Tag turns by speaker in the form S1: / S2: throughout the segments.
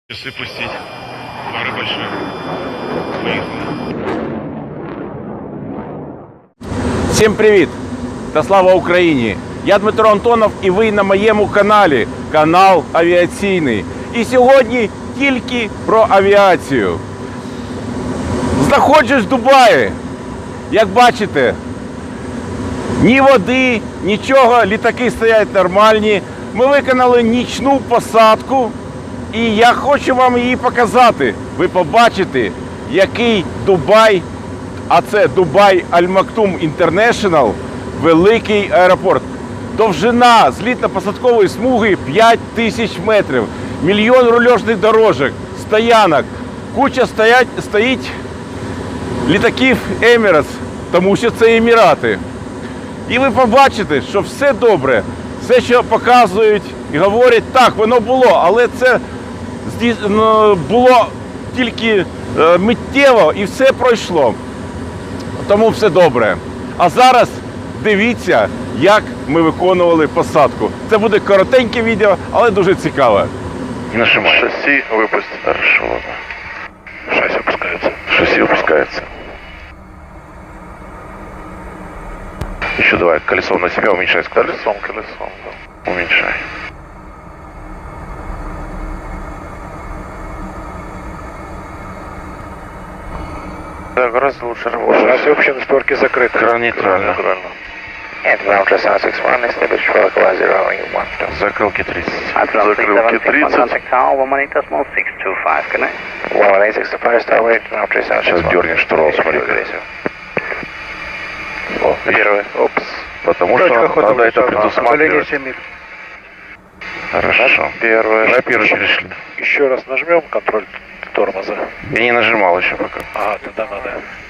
S1: Если пустить. Фары большие. Поехали.
S2: Всім привіт! Та слава Україні! Я Дмитро Антонов і ви на моєму каналі, канал Авіаційний. І сьогодні тільки про авіацію. Знаходжусь в Дубаї. Як бачите, ні води, нічого, літаки стоять нормальні. Ми виконали нічну посадку. І я хочу вам її показати. Ви побачите, який Дубай, а це Дубай Аль-Мактум Інтернешнл, великий аеропорт. Довжина злітно-посадкової смуги 5000 метрів, мільйон рульожних дорожок, стоянок, куча стоїть літаків Emirates, тому що це Емірати. І ви побачите, що все добре, все, що показують і говорять, так, воно було, але це було тільки миттєво і все пройшло. Тому все добре. А зараз дивіться, як ми виконували посадку. Це буде коротеньке відео, але дуже цікаве.
S1: Нажимай.
S3: Шасси выпусти.
S1: Хорошо, ладно.
S3: Шасси опускается.
S1: Шасси опускается. Еще давай колесо на себя уменьшай скорость.
S3: Колесом, да.
S1: Уменьшай.
S3: Да, гораздо лучше работать. Шасси вообще на створке закрыты.
S1: Кран нейтрально.
S3: Нейтрально.
S1: Закрылки 30.
S3: Закрылки 30.
S1: Сейчас дернешь штурвал, смотри. О,
S3: Первый. Опс.
S1: потому что надо это предусматривать. Хорошо.
S3: Первое.
S1: На первый перешли.
S3: Еще раз нажмем контроль тормоза.
S1: Я не нажимал еще пока.
S3: Ага, тогда надо.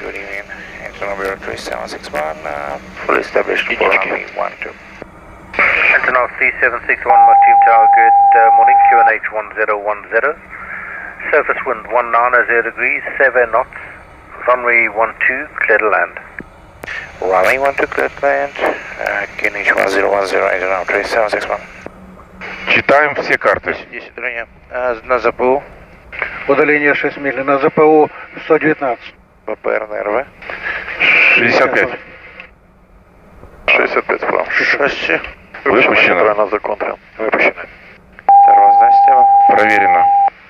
S4: Full established
S3: Единички.
S4: for runway 12. Antonov 3761 Martin Tower, good morning, QNH 1010. Surface wind 190 degrees, 7 knots. Runway 12, clear to land.
S5: Runway 12, clear to land. QNH 1010, Antonov 3761.
S1: Читаем все карты.
S5: 10 удаления. На ЗПУ.
S6: Удаление 6 миль на ЗПУ 119.
S5: ППР НРВ.
S1: 65.
S3: 65 справа.
S5: Шасси.
S1: Выпущено.
S3: Нейтрально законтрил. Выпущено.
S5: Тормозная система.
S1: Проверено.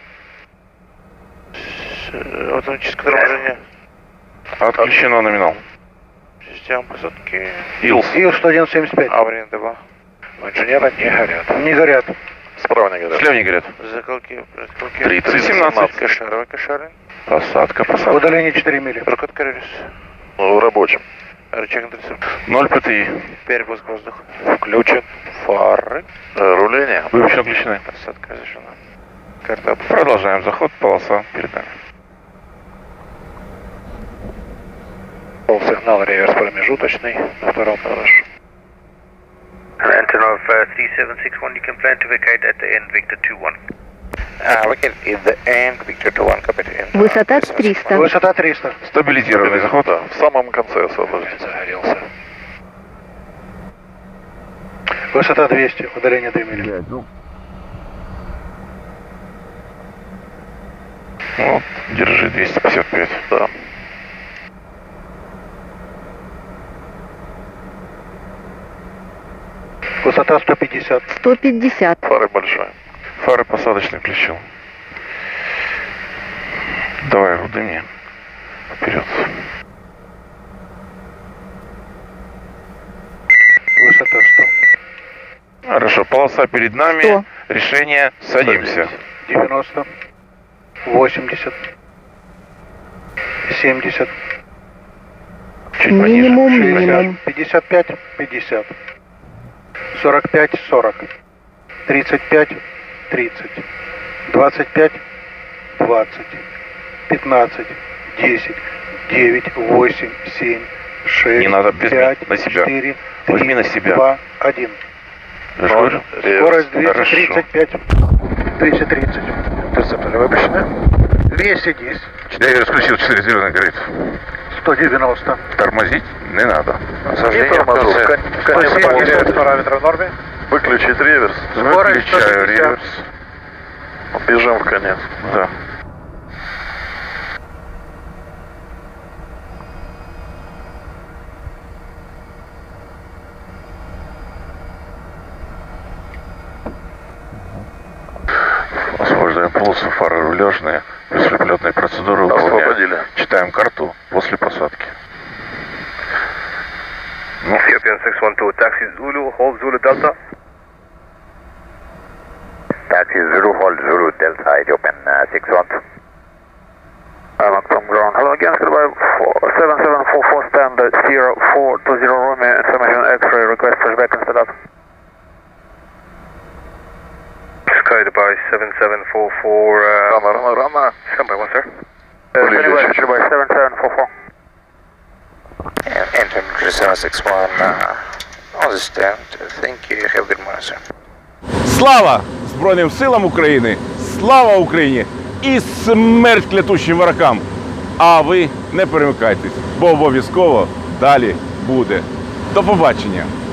S5: Автоматическое торможение.
S1: Отключено номинал.
S5: Система посадки.
S1: Илс.
S6: Ил-101-75.
S5: Аварийная дела.
S3: У инженера не горят.
S6: Не горят.
S3: Справа не горят.
S1: Слева не горят.
S5: Закалки.
S1: 30-17.
S5: Кошары.
S1: Посадка.
S6: Удаление 4 мили.
S5: Прокат Карелис.
S3: В рабочем.
S5: Рычаг интерцепт.
S1: 0 ПТИ.
S5: Перепуск воздуха.
S3: Включен.
S5: Фары.
S3: Руление.
S1: Выпущено, включены.
S5: Посадка разрешена. Карта.
S1: Продолжаем заход. Полоса перед нами.
S3: Сигнал реверс промежуточный. На втором хорошо.
S4: Antonov 3761, you can plan to vacate at the end, Victor 21.
S5: Выкид in the end. Victor 21, копит.
S7: Высота 300.
S6: Высота 300.
S1: Стабилизированный заход.
S3: Да, в самом конце освобожден. Загорелся.
S6: Высота 200. Удаление 2 мили.
S1: Вот, держи 255.
S3: Да.
S6: Высота 150.
S7: 150.
S3: Фары большие.
S1: Фары посадочный включил. Давай, руды мне. Вперед.
S6: Высота 100.
S1: Хорошо, полоса перед нами.
S7: 100.
S1: Решение, садимся.
S6: 90. 80. 70.
S1: Чуть
S7: Минимум,
S1: пониже.
S6: 60.
S7: минимум.
S6: 55. 50. 45. 40. 35. 30. 25. 20. 15. 10. 9. 8. 7. 6.
S1: Не надо, без
S6: 5.
S1: на себя.
S6: 4.
S1: Возьми
S6: 3,
S1: на себя.
S6: 2. 1.
S1: Хорошо?
S6: Скорость
S1: Хорошо.
S6: 235. 230. Интерцепторы выпущены. 210.
S1: 4 исключил, 4 зеленый горит.
S6: 190.
S1: Тормозить не надо.
S5: Сожжение в конце.
S3: Конечно,
S6: параметры в норме.
S3: Выключить реверс.
S1: Выключаю реверс. Бежим в конец. Да. Освобождаем полосу, фары рулежные, беспилотные процедуры выполняем. Читаем карту после посадки. Ну.
S4: Ethiopian 612, taxi Zulu, hold Zulu Delta. Taxi Zulu, hold Zulu Delta, Ethiopian 612. From ground. Hello again, goodbye. 7744 stand 0420 Romeo, information X-ray, request pushback and set up. Sky Dubai 7744. Rama. Stand by one, sir. Dubai 7744.
S5: Entering 761, on the stand. Thank you. Have a good morning, sir.
S2: Слава Збройним силам України! Слава Україні! І смерть клятущим ворогам! А ви не перемикайтесь, бо обов'язково далі буде. До побачення!